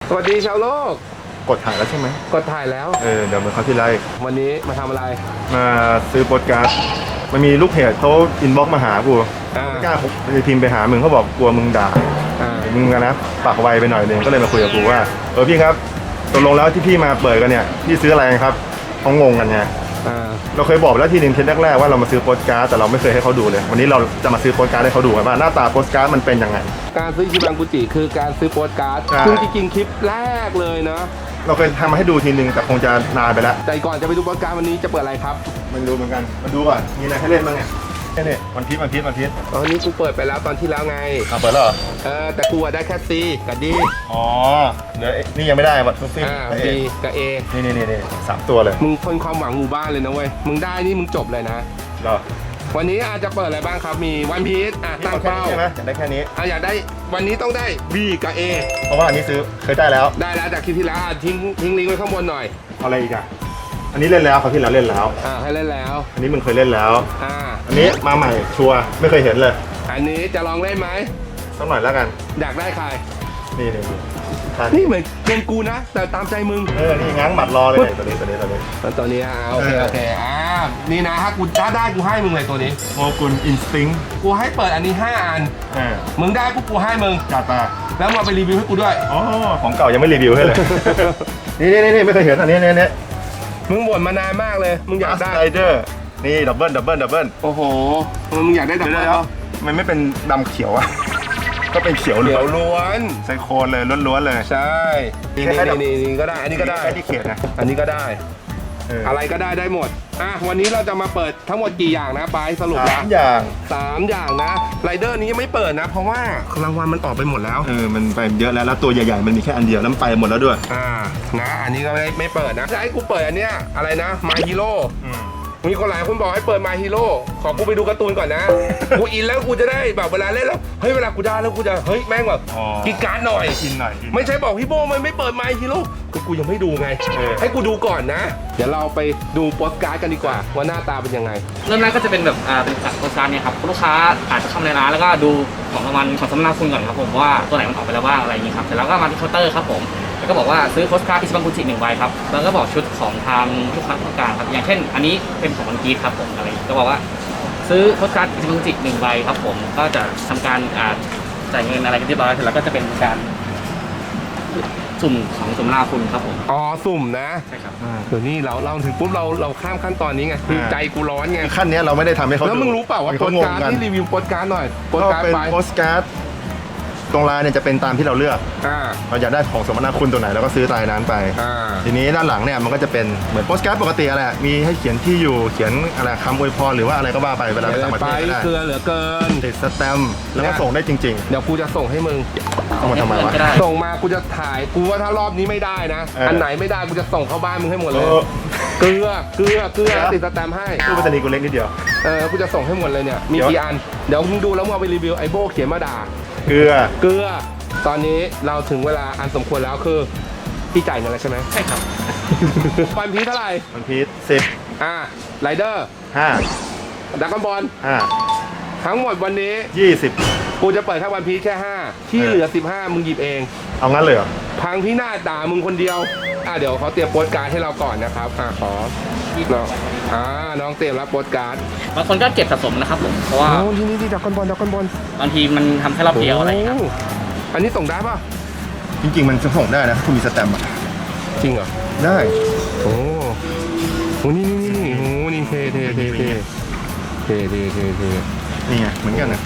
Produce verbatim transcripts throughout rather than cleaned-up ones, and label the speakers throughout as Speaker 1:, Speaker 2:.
Speaker 1: สวัสดีชาวโลก
Speaker 2: กดถ่ายแล้วใช่ไหม
Speaker 1: กดถ่ายแล้ว
Speaker 2: เออเดี๋ยวเหมือนเขาที่ไลฟ์
Speaker 1: วันนี้มาทำอะไร
Speaker 2: มาซื้อโปสการ์ดมันมีลูกเพจเขาอินบ็อกซ์มาหากูไม่กล้าพิมพ์ไปหามึงเขาบอกกลัวมึงด่ามึงกันนะปากไวไปหน่อยนึงก็เลยมาคุยกับกูว่าเออพี่ครับตกลงแล้วที่พี่มาเปิดกันเนี่ยพี่ซื้ออะไรครับเขางงกันไงเราเคยบอกแล้วทีนึงเทปแรกๆว่าเรามาซื้อโปสการ์ดแต่เราไม่เคยให้เขาดูเลยวันนี้เราจะมาซื้อโปสการ์ดให้เขาดูกันว่าหน้าตาโปสการ์ดมันเป็นยังไง
Speaker 1: การซื้อชิบังกุจิคือการซื้อโปสการ์ดซึ่งจริงๆคลิปแรกเลยเนาะ
Speaker 2: เราเคยทำมาให้ดูทีนึงแต่คงจะนานไปแล้ว
Speaker 1: แต่ก่อนจะไปดูโปสการ์ดวันนี้จะเปิดอะไรครับ
Speaker 2: มันดูเหมือนกันมาดูก่อนมีอะไรให้เล่นบ้างเนี่ยแค่นี้วันพีชวันพีชวันพีช
Speaker 1: ตอนนี้กูเปิดไปแล้วตอนที่แล้วไง
Speaker 2: อ่ะเปิดแล้วเหรอ
Speaker 1: เออแต่กูได้แค่ซีกับดี
Speaker 2: อ๋อเดี๋ยวนี่ยังไม่ได้วัตถุซี
Speaker 1: ดีกับเอ
Speaker 2: นี่นี่นี่สามตัวเลย
Speaker 1: มึงคนความหวังหมู่บ้านเลยนะเว้ยมึงได้นี่มึงจบเลยนะ
Speaker 2: เหรอ
Speaker 1: วันนี้อาจจะเปิดอะไรบ้างครับมีวันพีชอ่ะตั้งเป้า
Speaker 2: ใช่ไหมอยากได้แค่นี้
Speaker 1: อ่ะอยากได้วันนี้ต้องได้ B กับ A
Speaker 2: เพราะว่าอันนี้ซื้อเคยได้แล้ว
Speaker 1: ได้แล้วจากคลิปที่แล้วทิ้งทิ้งลิงก์ไว้ข้างบนหน่อย
Speaker 2: อะไรอีกอ่ะอันนี้เล่นแล้วเขาที่แล้วเล่นแล้ว
Speaker 1: อ่าให้เล่นแล้ว
Speaker 2: อันนี้มึงเคยเล่นแล้ว
Speaker 1: อ่า
Speaker 2: อันนี้มาใหม่ชัวร์ไม่เคยเห็นเลย
Speaker 1: อันนี้จะลองเล่นไหม
Speaker 2: สักหน่อยแล้วกัน
Speaker 1: อยากได้ใคร
Speaker 2: นี่นี่
Speaker 1: นี่เหมือนเป็นกูนะแต่ตามใจมึง
Speaker 2: เออนี่ง้างหมัดรอเลยตัวนี้ตัวนี้ตัวนี้
Speaker 1: ตัวนี้อ่าโอเคโอเคอ่านี่นะถ้ากูถ้าได้กูให้มึงเลยตัวนี้
Speaker 2: โมกุลอินสติ้ง
Speaker 1: กูให้เปิดอันนี้ห้าอันมึงได้ปุ๊บกูให้มึง
Speaker 2: จัดมา
Speaker 1: แล้วมาไปรีวิวให้กูด้วย
Speaker 2: อ๋อของเก่ายังไม่รีวิวให้เลยนี่นี่นี่ไม่เคยเห็นอันนี้นี่นี่
Speaker 1: มึงบ่นมานานมากเลยมึงอยากได้
Speaker 2: ไรเดอร์นี่ดับเบิลดับเบิลดับเบิล
Speaker 1: โอ้โหมึงอยากได้ดับเบิลแล้ว
Speaker 2: มันไม่เป็นดำเขียวอะก็เป็นเขียว
Speaker 1: ล้วน
Speaker 2: ไซโคนเลยล้วนๆเลย
Speaker 1: ใช่นี่นี่นี่ก็ได้อันนี้ก็ได้
Speaker 2: แค่ที่เขียนนะ
Speaker 1: อันนี้ก็ได้อะไรก็ได้ได้หมดอ่ะวันนี้เราจะมาเปิดทั้งหมดกี่อย่างนะไปสรุป
Speaker 2: สามอย่าง
Speaker 1: สามอย่างนะไรเดอร์นี้ยังไม่เปิดนะเพราะว่ารางวัลมันออกไปหมดแล้ว
Speaker 2: เออมันไปเยอะแล้วแล้วตัวใหญ่ๆมันมีแค่อันเดียวแล้วมันไปหมดแล้วด้วย
Speaker 1: อ่านะอันนี้ก็ไม่ไม่เปิดนะจะให้กูเปิดอันเนี้ยอะไรนะมาฮีโร่มีคนหลายคนบอกให้เปิดมาฮีโร่ขอกูไปดูการ์ตูนก่อนนะกูอินแล้วกูจะได้แบบเวลาเล่นแล้วเฮ้ยเวลากูได้แล้วกูจะเฮ้ยแม่งแบบกินการ์ดหน่อย
Speaker 2: กินหน่อย
Speaker 1: ไม่ใช่บอกพี่โบมันไม่เปิดมาฮีโร่ก็กูยังไม่ดูไงให้กูดูก่อนนะเดี๋ยวเราไปดูโปสการ์ดกันดีกว่าว่าหน้าตาเป็นยังไง
Speaker 3: เริ่มแรกก็จะเป็นแบบอ่าเป็นโปสการ์ดเนี่ยครับลูกค้าอาจจะเข้าในร้านแล้วก็ดูของรางวัลของสำนักคุณก่อนครับผมว่าตัวไหนมันออกไปแล้วบ้างอะไรอย่างนี้ครับเสร็จแล้วก็มาที่เคาน์เตอร์ครับผมแล้วก็บอกว่าซื้อโปสการ์ดอิชิบังกุจิหนึ่งใบครับแล้วก็บอกชุดของทางลูกค้าต้องการครับอย่างเช่นอันนี้เป็นของวันกีครับผมอะไรก็บอกว่าซื้อโปสการ์ดอิชิบังกุจิหนึ่งใบครับผมก็จะทำการอ่าจ่ายเงินอะไรกันเรียบร้อยเสร็จแล้วก็จะเป็นการสุ่มของสุ่มนาคุณครับผม
Speaker 1: อ๋อสุ่มนะ
Speaker 3: ใช่ครับ
Speaker 1: เดี๋ยวนี้เราเราถึงปุ๊บเราเราข้ามขั้นตอนนี้ไงคือใจกูร้อนไง
Speaker 2: ขั้นนี้เราไม่ได้ทำให้เขา
Speaker 1: แล้วมึงรู้เปล่าว่าโปสการ์ดที่รีวิวโปสการ์ดหน่อย
Speaker 2: โปสการ์ดไปโปสการ์ดตรงลายเนี่ยจะเป็นตามที่เราเลือกเราอยากได้ของสมนาคุณตัวไหนเราก็ซื้อตายนั้นไปทีนี้ด้านหลังเนี่ยมันก็จะเป็นเหมือนโปสการ์ดปกติอะไรมีให้เขียนที่อยู่เขียนอะไรคำอวยพรหรือว่าอะไรก็ว่าไปเวลาไปต่างประเทศได้
Speaker 1: เกลือเหลือเกิน
Speaker 2: ติดสแตมป์แล้วก็ส่งได้จริง
Speaker 1: ๆเดี๋ยวกูจะส่งให้มึง
Speaker 2: ส่งมาทำไมวะ
Speaker 1: ส่งมากูจะถ่ายกูว่าถ้ารอบนี้ไม่ได้นะอันไหนไม่ได้กูจะส่งเข้าบ้านมึงให้หมดเลยเกลือเกลือเกลือติดสแตมป์ให้
Speaker 2: ตู้ไปรษณีย์กูเล็กนิดเดียว
Speaker 1: เออกูจะส่งให้หมดเลยเนี่ยมีกี่อันเดี๋ยวมึงดูแล้วมึงเอาไปรีวิวไอโบเขียนมาด่า
Speaker 2: เกลือ
Speaker 1: เกลือตอนนี้เราถึงเวลาอันสมควรแล้วคือพี่จ่ายเงินแล้วใช่ไหม
Speaker 3: ใช่ครับ
Speaker 1: วันพีชเท่าไหร่
Speaker 2: วันพีชสิบ
Speaker 1: อ่าไรเดอร์
Speaker 2: ห้า
Speaker 1: ดราก้อนบอล
Speaker 2: ห้า
Speaker 1: ทั้งหมดวันนี้
Speaker 2: ยี่สิบ
Speaker 1: กูจะเปิดแค่วันพีชแค่ห้าที่เหลือสิบห้ามึงหยิบเอง
Speaker 2: เอางั้นเลยเหรอ
Speaker 1: พังพี่หน้าด่ามึงคนเดียวอ่าเดี๋ยวเขาเตรียมโปสการ์ดให้เราก่อนนะครับอ่าขอน้องอ่าน้องเตรียมรับโปสการ์ด
Speaker 3: บางคนก็เก็บสะสมนะครับผมเพราะว่า
Speaker 1: ที่นี่ที่ดราก้อนบอลดราก้อนบอล
Speaker 3: บางทีมันทำแค่รอบเดียวอะไรครับ
Speaker 1: อันนี้ส่งได้ป่ะ
Speaker 2: จริงๆมันจะส่งได้นะคุณมีสแตมป์อ่ะ
Speaker 1: จริงเหรอ
Speaker 2: ได้
Speaker 1: โอ้โหนี่นี่นี่โอ้นี่เท่เท่เท่เท่เท่เท่เท่เท่
Speaker 2: นี่ไงเหมือนกันนะ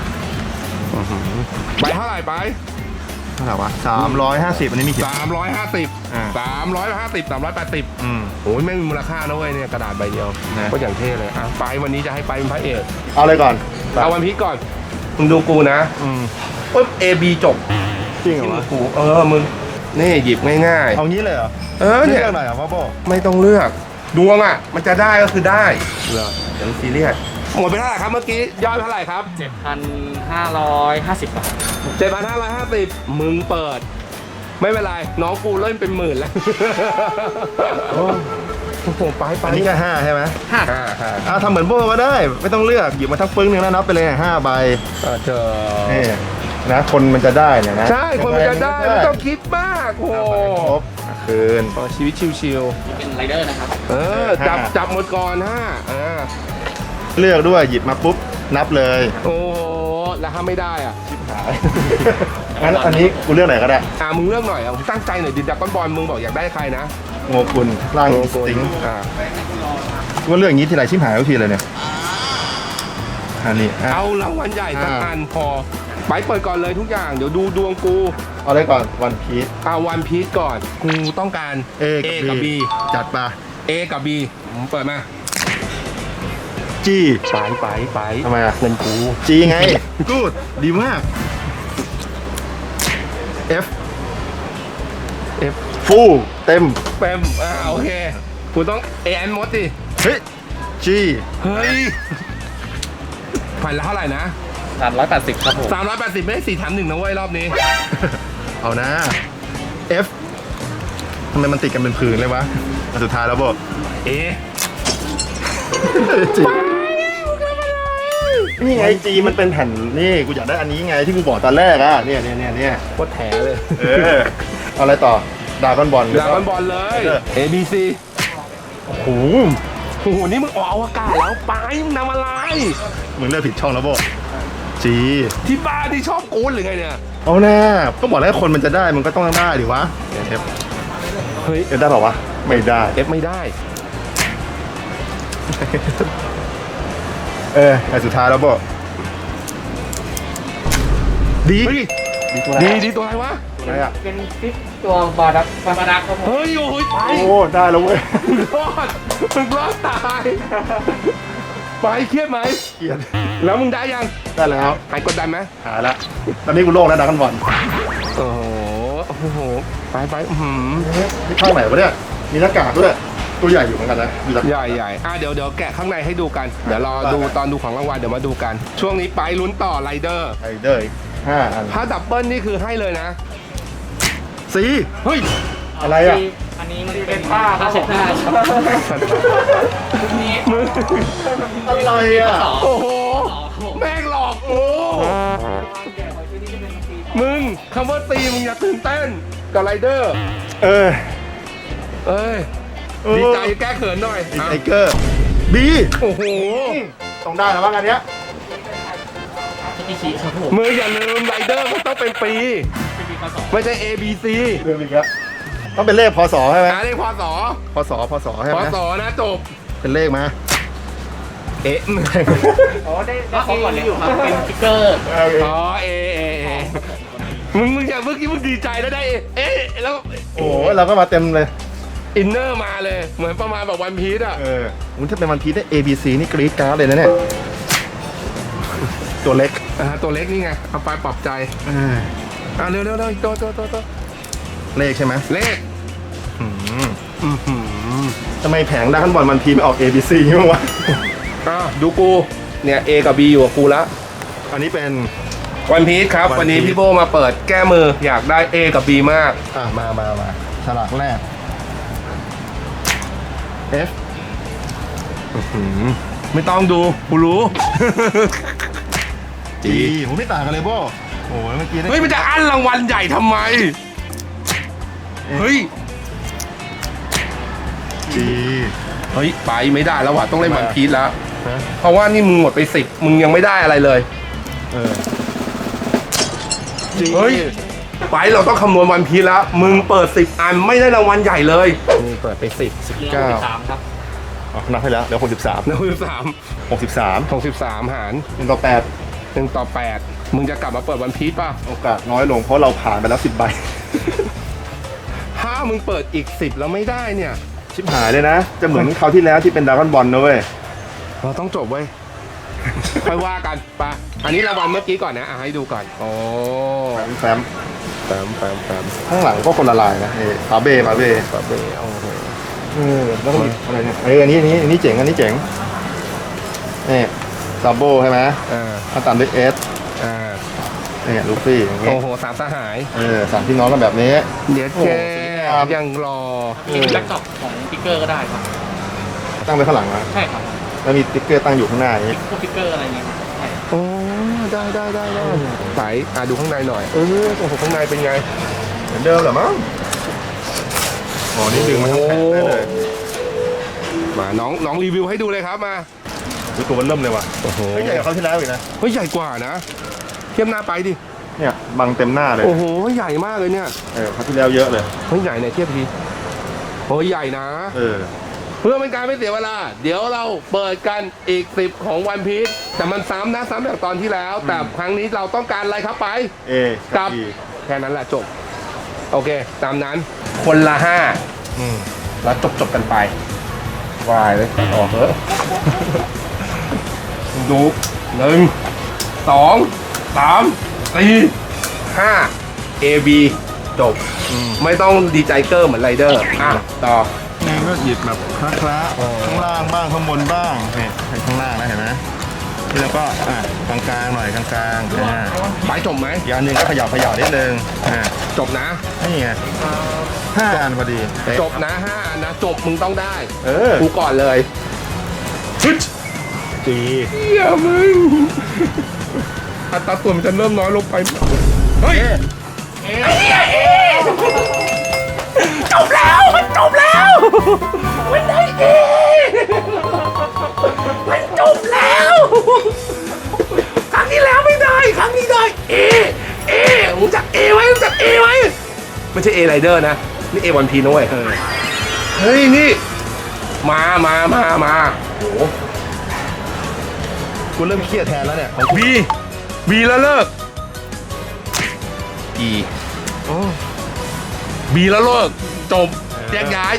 Speaker 1: ไปเท่าไหร่ไป
Speaker 2: เท่าไหร่วะสามร้อยห้าสิบอันนี้มี
Speaker 1: สามร้อยห้าสิบสามร้อยห้าสิบสามร้อยแปดสิบอืมโอ้ยไม่มีมูลค่านะเว้ยเนี่ยกระดาษใบเดียวก็อย่างเท่เลยอ่ะไปวันนี้จะให้ไปเป็นพระเอก
Speaker 2: เอาเลยก่อน
Speaker 1: เอาวันพีชก่อนมึงดูกูนะ
Speaker 2: อืม
Speaker 1: ปุ๊บ A B จบ
Speaker 2: จริงเหรอ
Speaker 1: กูเออมึงนี่หยิบง่าย
Speaker 2: ๆเอางี้เลยเหรอ
Speaker 1: เออเนี่ย
Speaker 2: เลือกหน่อยเหรอพ่อโบ
Speaker 1: ไม่ต้องเลือกดวงอ่ะมันจะได้ก็คือได้เหรอเดี๋ยวซีเรียสหมดไปเท่าไหร่ครับเมื่อกี้ยอดเท่าไหร่ครับ
Speaker 3: เจ็ดพันห้าร้อยห้าสิบบาท
Speaker 1: เจ็ดพันห้าร้อยห้าสิบมึงเปิดไม่เป็นไรน้องกูเล่นเป็นหมื่นแล้วโอ้โหไปไป
Speaker 2: นี่แค่ห้าใช่ไหม
Speaker 3: ห้า
Speaker 1: ห้าห้า
Speaker 2: อ่าทำเหมือนโบก็ได้ไม่ต้องเลือกหยิบมาทั้งปึ้งหนึ่งแล้วนับไปเลยห้าใบ
Speaker 1: เจอ
Speaker 2: นี่นะคนมันจะได้เนี่ยนะ
Speaker 1: ใช่คนมันจะได้ไม่ต้องคิดมากโอ้
Speaker 2: ครบคืน
Speaker 1: ชีวิตชิว
Speaker 3: นี่เป็นไรเดอร์นะครับ
Speaker 1: ๆเออจับจับหมดก่อนฮะเออ
Speaker 2: เลือกด้วยหยิบมาปุ๊บนับเลย
Speaker 1: โอ้แล้วถ้าไม่ได้อ่ะ
Speaker 2: งั้นอันนี้กูเลือกไหนก็ได้
Speaker 1: อ่ามึงเลือกหน่อยอ่ะมึงตั้งใจหน่อยดิดักก้อนบอลมึงบอกอยากได้ใครนะ
Speaker 2: โงกุลร่างสติง
Speaker 1: อ่า
Speaker 2: กูว่าเลือกอย่างนี้ทีไรชิมหายทุกทีเลยเนี่ยอันนี้อ่ะ
Speaker 1: เอารางวัลใหญ่สักอันพอไปเปิดก่อนเลยทุกอย่างเดี๋ยวดูดวงกู
Speaker 2: เอาเลยก่อนวันพีช
Speaker 1: เอาวันพีชก่อนกูต้องการ
Speaker 2: A กับ
Speaker 1: B
Speaker 2: B จัดไป
Speaker 1: A กับ B ผมเปิดมา
Speaker 2: G
Speaker 1: ไปไปไป
Speaker 2: ทำไมอ่ะ
Speaker 1: เงินกู
Speaker 2: G ไง กูดดีมาก F
Speaker 1: F
Speaker 2: ฟูเต็ม
Speaker 1: เต็มอ่าโอเคกูต้อง A แอนมดดิ
Speaker 2: เฮ้ย G
Speaker 1: เฮ้ยผ่านละเท่าไหร่นะ
Speaker 3: สามร้อยแปดสิบครับผม
Speaker 1: สามร้อยแปดสิบไม่ได้สี่แถมหนึ่งนะเว้ยรอบนี้
Speaker 2: เอานะ F ทำไมมันติดกันเป็นผืนเลยวะอันสุดท้ายแล้วบอก
Speaker 1: A
Speaker 2: จีนี่ไงจีมันเป็นแผ่นนี่กูอยากได้อันนี้ไงที่กูบอกตอนแรกอ่ะเนี่ยเนี่ยเนี่ยเนี่ย
Speaker 1: โคตรแถเลย
Speaker 2: เออเอาอะไรต่อดราก้อนบอล
Speaker 1: ดราก้อนบอลเลย A B C
Speaker 2: โอ้โห
Speaker 1: โอ้โหนี่มึงออกอวกาศแล้วไปมึงทำอะไร
Speaker 2: มึงเลือกผิดช่องแล้วบอกจี
Speaker 1: ที่บ้านที่ชอบกูนหรือไงเนี่ย
Speaker 2: เอาหน้าก็บอกแล้วคนมันจะได้มันก็ต้องได้ดิวะเอฟ
Speaker 1: เฮ้ย
Speaker 2: เอฟได้เปล่าวะไม่ได้
Speaker 1: F ไม่ได้
Speaker 2: เออไอสุดท้ายแล้วบอกดี
Speaker 1: เฮ้ย
Speaker 2: ดีตัวไหน
Speaker 1: ดีดีตัวอะไรวะ
Speaker 2: ตัวไหนอ่ะ
Speaker 3: เป็นฟิปตัวบาดักบาดักครับผม
Speaker 1: เฮ้ยโอ้ยไป
Speaker 2: โอ้ได้แล้วเว้ย
Speaker 1: มึงรอดมึงรอดตายไปเครียดไหม
Speaker 2: เกลียด
Speaker 1: แล้วมึงได้ยัง
Speaker 2: ได้แล้ว
Speaker 1: หายกดดันไหม
Speaker 2: หาละตอนนี้กูโล่งแล้วดราก้อนบอล
Speaker 1: โอ้โหโอ้โหไปไปอื้อหือ
Speaker 2: นี่ข้างไหนวะเนี่ยมีหน้ากากด้วยตัวใหญ่อยู่เหมือนกันนะมีหลัก
Speaker 1: ใหญ่ใหญ่อ่ะเดี๋ยวเดี๋ยวแกะข้างในให้ดูกัน เดี๋ยวรอดูตอนดูของรางวัลเดี๋ยวมาดูกัน ช่วงนี้ไปลุ้นต่อไรเดอร์
Speaker 2: ไอเดอร์อีกห้าอัน
Speaker 1: ถ้าดับเบิลนี่คือให้เลยนะ
Speaker 2: สี
Speaker 1: เฮ้ย
Speaker 2: อะไรอ่ะ
Speaker 3: อันนี้มันเป็นผ้าผ้าเช็ดหน้าครับนี่
Speaker 1: มึง
Speaker 2: อะไรอ่ะ
Speaker 1: โอ้โหแม่งหลอกกูมึงคำว่าตีมึงอย่าตื่นเต้นกับไรเดอร์
Speaker 2: เออ
Speaker 1: เอ้ยดีใจแก้เขินหน่อย
Speaker 2: บิ๊ก
Speaker 1: อ่ะ
Speaker 2: ไทเกอร์บี
Speaker 1: โอ้โห
Speaker 2: ต้องได้แล้วบ้างอันเนี้ย
Speaker 3: มิชิครับผม
Speaker 1: มึงอย่าลืมไรเดอร์มันต้องเป็นปี
Speaker 3: เป็นปีพศ
Speaker 1: ไม่ใช่ A B C
Speaker 2: เรื่องอีกแล้วต้องเป็นเลขพศใช่ไหม
Speaker 1: อ่าเลขพศ
Speaker 2: พศพศใช่
Speaker 1: พ
Speaker 2: ไหม
Speaker 1: ศนะจบ
Speaker 2: เป็นเลขมา
Speaker 1: เอ๊ะ
Speaker 3: อ๋อได้ได้เขาก่อนเลยอยู่ครับเป็นสติ๊กเกอร์
Speaker 1: อ๋อเอเอเอมึงมึงอย่าเมื่อกี้มึงดีใจแล้วได้เอเอ๊ะแล้ว
Speaker 2: โอ้เราก็มาเต็มเลย
Speaker 1: อินเนอร์มาเลย เหมือนประมาณแบบวันพีซอ่ะ
Speaker 2: เออมันถ้าเป็นวันพีชได้ A B C นี่กรี๊ดกราร์ดเลยนะเนี่ยตัวเล็ก
Speaker 1: อ่าตัวเล็กนี่ไงเอาไปปรับใจ
Speaker 2: อ่า
Speaker 1: อ่าเร็วเร็วเร็วตัวตัวตัวตัว
Speaker 2: เลขใช่ไหม
Speaker 1: เลข
Speaker 2: อืม
Speaker 1: อือหือ
Speaker 2: ทำไมแผงด้านบอลวันพีชไม่ออก A B C มั้างวะ
Speaker 1: อ่ะดูกูเนี่ย A กับ B อยู่กับกูละ
Speaker 2: อันนี้เป็น
Speaker 1: วันพีชครับ
Speaker 2: One
Speaker 1: วันนี้
Speaker 2: Piece
Speaker 1: พี่โบมาเปิดแก้มืออยากได้ A กับ B มาก
Speaker 2: อ่ามามามาฉลากแรก F
Speaker 1: ไม่ต้องดูกูรู้
Speaker 2: G ผมไม่ต่างกันเลยโบโอ้ยเมื่อกี้ได้
Speaker 1: เฮ้ยมันจะอั้นรางวัลใหญ่ทำไม เฮ้ย
Speaker 2: G
Speaker 1: เฮ้ยไปไม่ได้แล้วว่ะต้องเล่น
Speaker 2: ทำไม
Speaker 1: วัน
Speaker 2: อ่ะ
Speaker 1: พีชแล้ว
Speaker 2: ฮะ
Speaker 1: เพราะว่านี่มึงหมดไปสิบมึงยังไม่ได้อะไรเลย
Speaker 2: เออ G
Speaker 1: เฮ้ย ไปเราต้องคำนวณวันพีชแล้ว มึงเปิดสิบอันไม่ได้รางวัลใหญ่เลยนี่เปิดไปสิบสิบ
Speaker 3: เรียก
Speaker 1: เก้า
Speaker 3: ว่าสามครับ
Speaker 2: อ๋อนับให้แล้วเดี๋ยวหกสิบสาม
Speaker 1: หนึ่งสิบสาม
Speaker 2: หกสิบสาม
Speaker 1: หกสิบสามหาร
Speaker 2: หนึ่งต่อแปด
Speaker 1: หนึ่งต่อแปดมึงจะกลับมาเปิดวันพีชป่ะ
Speaker 2: โอกาสน้อยลงเพราะเราผ่านไปแล้วสิบใบ
Speaker 1: ถ้ามึงเปิดอีกสิบแล้วไม่ได้เนี่ย
Speaker 2: ชิบหายเลยนะ จะเหมือนคราวที่แล้วที่เป็นดราก้อนบอลนะเว้ย
Speaker 1: เราต้องจบเว้ย ค่อยว่ากันไปะอันนี้รางวัลเมื่อกี้ก่อนนะอ่ะให้ดูก่อนโอ้
Speaker 2: แฟม
Speaker 1: แฟมแฟมแฟม
Speaker 2: ข้างหลังก็คนละลายนะเอฟาเบ้ฟาเบ้
Speaker 1: ปะเบโอ้โห
Speaker 2: เออแล้วก็มีอะไรเนี่ยเอออันนี้อันนี้อันนี้เจ๋งอันนี้เจ๋งนี่ซาโบใช่ไหม
Speaker 1: อ่า
Speaker 2: ถ้าตามด้วยเอส
Speaker 1: อ่า
Speaker 2: เนี่ยลูฟี่อย่างเงี้ย
Speaker 1: โอ้โหสามสหาย
Speaker 2: เออสามพี่น้องกันแบบนี้
Speaker 1: เดี๋ยว
Speaker 2: โอ้
Speaker 1: แก
Speaker 2: โหสวยงาม
Speaker 1: ยังรอ
Speaker 3: จริงๆแล็ปท็อปของสติ๊กเกอร์ก็ได้ครับ
Speaker 2: ตั้งไว้ข้างหลังนะ
Speaker 3: ใช่ครับ
Speaker 2: แล้วมีสติ๊กเกอร์ตั้งอยู่ข้างหน้าอย่างนี้
Speaker 3: พวกสติ๊กเกอร์อะไรเงี้ยครับใช่
Speaker 1: โอ้ได้ได้ได้ได้ใสอ่ะดูข้างในหน่อยเออโอ้โหข้างในเป็นไง
Speaker 2: เหมือนเดิมเหรอมั้งอ๋อนี่ดึงมาทั้งแผ่นได้เลย
Speaker 1: มาน้องน้องรีวิวให้ดูเลยครับมา
Speaker 2: ดูตัวมันเริ่มเลยว่ะ
Speaker 1: โอ้โห
Speaker 2: ไม่ใหญ่กว่าเขาวที่แล้วอีกนะ
Speaker 1: เฮ้ยใหญ่กว่านะเทียบหน้าไปดิ
Speaker 2: เนี่ยบังเต็มหน้าเลย
Speaker 1: โอ้โหใหญ่มากเลยเนี่ย
Speaker 2: เออเขาวที่แล้วเยอะเลย
Speaker 1: เฮ้ยใหญ่ไหนเทียบทีโอ้ยใหญ่นะ
Speaker 2: เออ
Speaker 1: เพื่อเป็นการไม่เสียเวลา เดี๋ยวเราเปิดกันอีกสิบของวันพีชแต่มันซ้ำนะซ้ำจากตอนที่แล้ว แต่ครั้งนี้เราต้องการอะไรครับไป
Speaker 2: เอ
Speaker 1: กั
Speaker 2: กับ อี
Speaker 1: แค่นั้นแหละจบ โอเค ตามนั้น คนละห้า
Speaker 2: อืม
Speaker 1: แล้วจบจบกันไปวายเลยออกเถอะดูหนึ่งสองสามสี่ห้า A B จบ ไม่ต้องดีใจเกอร์เหมือนไรเดอร์อ่ะต่อ
Speaker 2: นี่ก็หยิบแบบคละๆข้างล่างบ้างข้างบนบ้างนี่ให้ข้างล่างนะเห็นไหมที่แล้วก็อ่ะกลางๆหน่อยกลางๆอ่า
Speaker 1: ไปจบไหม
Speaker 2: อีกอันหนึ่งก็ขยับขยับนิดนึงอ่า
Speaker 1: จบนะ
Speaker 2: นี่ไงห้าอันพอดีเป๊ะ
Speaker 1: จบนะห้าอันนะจบมึงต้องได้
Speaker 2: เออ
Speaker 1: กูก่อนเลยฮึด
Speaker 2: จี
Speaker 1: เฮียมึงอัตราส่วนมันจะเริ่มน้อยลงไปเฮ้ยจบแล้วมันจบแล้วมันได้เอมันจบแล้วครั้งที่แล้วไม่ได้ครั้งนี้ได้เอเอรู้จักเอไว้รู้จักเอไว้ไม่ใช่เอไรเดอร์นะนี่เอวันพีนะเว้ยเฮ้ยนี่มามามามาโอ้โห
Speaker 2: กูเริ่มเครียดแทนแล้วเนี่ย
Speaker 1: บีบีแล้วเลิก E
Speaker 2: โอ้
Speaker 1: บีแล้วเลิกจบแยกย้าย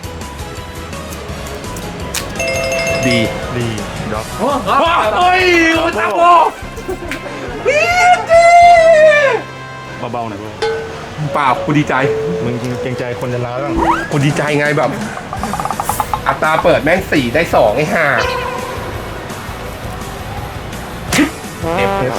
Speaker 1: D
Speaker 2: ดีด็อก
Speaker 1: เฮ้ยโอ้ยตาโบบีดี
Speaker 2: เบาๆหน่อยกู
Speaker 1: เปล่ากูดีใจ
Speaker 2: มึงเกรงใจคนจะร้ายบ้าง
Speaker 1: กูดีใจไงแบบ อัตราเปิดแม่งสี่ได้สองไอ้ห่า F F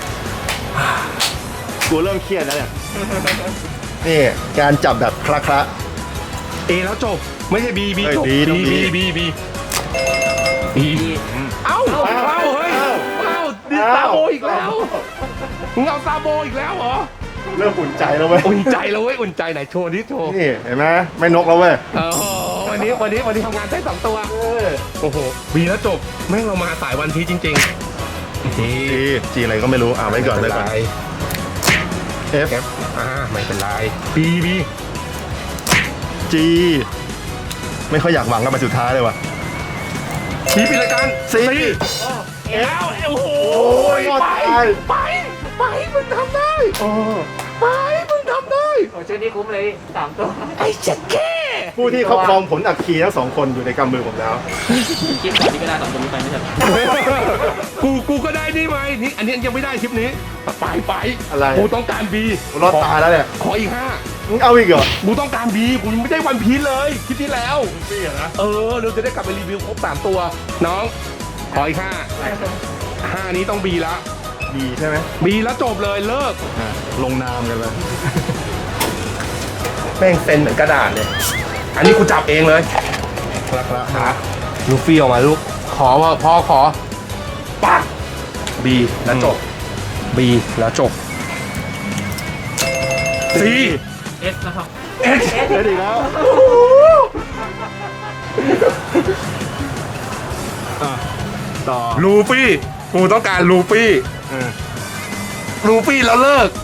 Speaker 2: กูเริ่มเครียดแล้วเนี่ยนี่การจับแบบคละคละ
Speaker 1: A แล้วจบไม่ใช่ B B
Speaker 2: เฮ้ย
Speaker 1: จบ
Speaker 2: B ต้อง
Speaker 1: B
Speaker 2: B
Speaker 1: B B B เอ้าเอ้าเฮ้ยเอ้าดิซาโบอีกแล้วมึงเอาซาโบอีกแล้วเหรอ
Speaker 2: เริ่มอุ่นใจแล้วเว้ย
Speaker 1: อุ่นใจแล้วเว้ยอุ่นใจไหนโชว์ดิโชว์
Speaker 2: นี่เห็นไหมไม่นกแล้วเว้ย
Speaker 1: โอ้โหวันนี้วันนี้วันนี้ทำงานได้สองตัวโอ้โหบีแล้วจบแม่งเรามาสายวันพีชจริงๆ
Speaker 2: จีจีอะไรก็ไม่รู้อ่าไว้ก่อนไว้ก่อน F
Speaker 1: เอฟอ่าไม่เป็นไรบีบี
Speaker 2: G ไม่ค่อยอยากหวังกับไปสุดท้ายเลยว่ะ
Speaker 1: บีปิดรายการ
Speaker 2: C
Speaker 1: แล้วโอ้โห
Speaker 2: ยอด
Speaker 1: ไป
Speaker 2: ตาย
Speaker 1: ไปไปมึงทำได้
Speaker 2: โอ้
Speaker 1: ไปมึงทำได้
Speaker 3: โอ้ชื่อนี้คุ้มเลยสามตัว
Speaker 1: ไอ้เจ็ดแค่
Speaker 2: ผู้ที่ครอบครองผลอัคคีทั้งสองคนอยู่ในกำมือผมแล้ว
Speaker 3: คิดก่อนที่ก็ได้สองตัวนี้ไปไม่ใช่
Speaker 1: กูกูก็ได้นี่ไหมนี่อันนี้ยังไม่ได้คลิปนี้ไปไป
Speaker 2: อะไร
Speaker 1: กูต้องการบี
Speaker 2: รอดตายแล้วเนี่ย
Speaker 1: ขออีกห้า
Speaker 2: มึงเอาอีกเหรอ
Speaker 1: กูต้องการบีกูยังไม่ได้วันพีชเลยคลิปที่แล้ว
Speaker 2: พี่อะนะ
Speaker 1: เออเราจะได้กลับไปรีวิวครบสามตัว น้อง ขออีกห้าห้านี้ต้องบีละ
Speaker 2: ดีใช่ไหม
Speaker 1: บีแล้วจบเลยเลิก
Speaker 2: อ่ะลงนามกันเลย
Speaker 1: แม่งเซ็นเหมือนกระดาษเลย อันนี้กูจับเองเลย
Speaker 2: คละคละ
Speaker 1: ขาลูฟี่ออกมาลูก ขอว่าพ่อขอปักบีแล้วจบบีแล้วจบซี
Speaker 3: เอสนะครับ
Speaker 1: เอส
Speaker 2: เดี๋ยวดีแล้วอ่ะต่อ
Speaker 1: ลูฟี่กูต้องการลูฟี่
Speaker 2: เออ
Speaker 1: ลูฟี่แล้วเลิก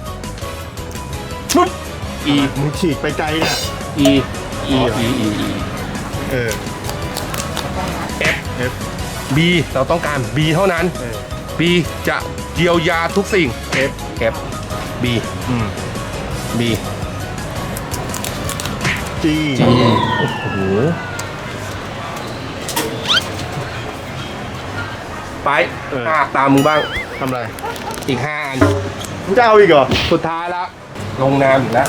Speaker 1: ปุ๊บ
Speaker 2: อีมึงฉีกไปไกลเนี่ย
Speaker 1: E E
Speaker 2: E
Speaker 1: E E E
Speaker 2: เออ
Speaker 1: F
Speaker 2: F
Speaker 1: B เราต้องการ B เท่านั้น
Speaker 2: เออ
Speaker 1: B จะเยียวยาทุกสิ่ง
Speaker 2: F
Speaker 1: F B
Speaker 2: อืม
Speaker 1: B
Speaker 2: G
Speaker 1: G โอ้โหไปอ่ะตามมึงบ้าง
Speaker 2: ทำไร
Speaker 1: อีกห้าอัน
Speaker 2: มึงจะเอาอีกเหรอ
Speaker 1: สุดท้ายแล้ว ลงนามอีกแล้ว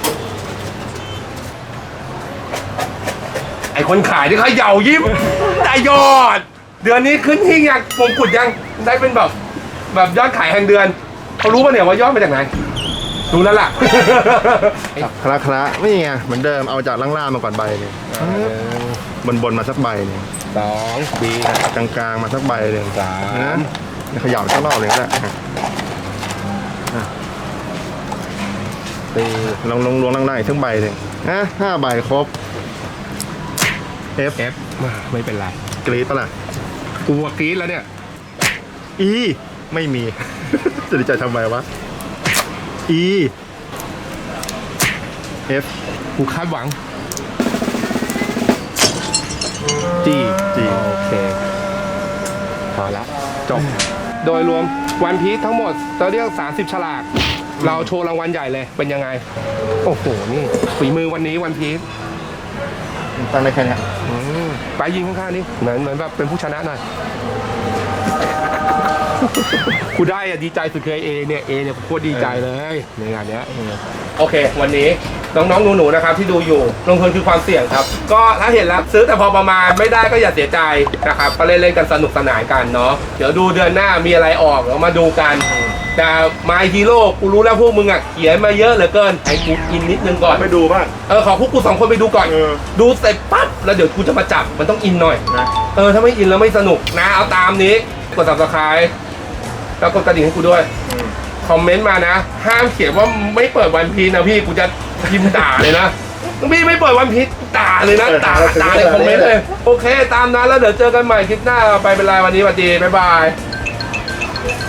Speaker 1: ไอคนขายที่เขาเหยายิ้ม ได้ยอด เดือนนี้ขึ้นหิ้งยังมงกุฎยังได้เป็นแบบ แบบยอดขายแห่งเดือน เขารู้ป่ะเนี่ยว่ายอดมาจากไหน รู้แล้วล่ะ
Speaker 2: คละคละไม่ไงเหมือนเดิมเอาจากล่างๆมาก่อนใบหนึงบนบนๆมาสักใบหนึง
Speaker 1: สองบี
Speaker 2: กลางๆมาสักใบหนึ่ง
Speaker 1: สาม
Speaker 2: นะเขย่าสักรอบเลยก็ได้อ่ะตีลองลงลวงล่างๆอีกทั้งใบเลยอ่ะห้าใบครบ F
Speaker 1: F มาไม่เป็นไร
Speaker 2: กรี๊ดปะล่ะ
Speaker 1: กูว่ากรี๊ดแล้วเนี่ย
Speaker 2: E ไม่มี จะดีใจทำไมวะ E F
Speaker 1: กูคาดหวัง G
Speaker 2: G
Speaker 1: โอเคพอละจบ โดยรวมวันพีททั้งหมดเราเรียกสามสิบฉลาก เราโชว์รางวัลใหญ่เลยเป็นยังไง โอ้โห นี่ฝีมือวันนี้วันพีท
Speaker 2: ตั้งได้แค่เนี้ย
Speaker 1: ไปยิงข้างๆนี่เหมือนเหมือนแบบเป็นผู้ชนะหน่อย กูได้อะดีใจสุดเคยเอเนี่ยเอเนี่ยโคตรดีใจเลยในงานเนี้ยโอเค วันนี้น้องๆหนูๆนะครับที่ดูอยู่ลงทุนคือความเสี่ยงครับ ก็ถ้าเห็นแล้วซื้อแต่พอประมาณไม่ได้ก็อย่าเสียใจนะครับก็เล่นๆกันสนุกสนานกันเนาะเดี๋ยวดูเดือนหน้ามีอะไรออกเรามาดูกันแต่My Hero กูรู้แล้วพวกมึงอ่ะเขียนมาเยอะเหลือเกินให้กูกินนิดนึงก่อน
Speaker 2: ไปดูบ้าง
Speaker 1: เออขอพวกกูสองคนไปดูก่อน
Speaker 2: เออ
Speaker 1: ดูเสร็จปั๊บแล้วเดี๋ยวกูจะมาจับมันต้องอินหน่อย
Speaker 2: นะ
Speaker 1: เออถ้าไม่อินแล้วไม่สนุกนะเอาตามนี้กด ซับสไครบ์ แล้วกดกระดิ่งให้กูด้วย คอมเมนต์มานะ ห้ามเขียนว่าไม่เปิดวันพีชนะพี่กูจะพิมพ์ด่าเลยนะพี่ไม่เปิดวันพีชด่าเลยนะด่าด่าในคอมเมนต์เลย โอเคตามนั้นแล้วเดี๋ยวเจอกันใหม่คลิปหน้าไปเป็นไรวันนี้สวัสดีบ๊ายบาย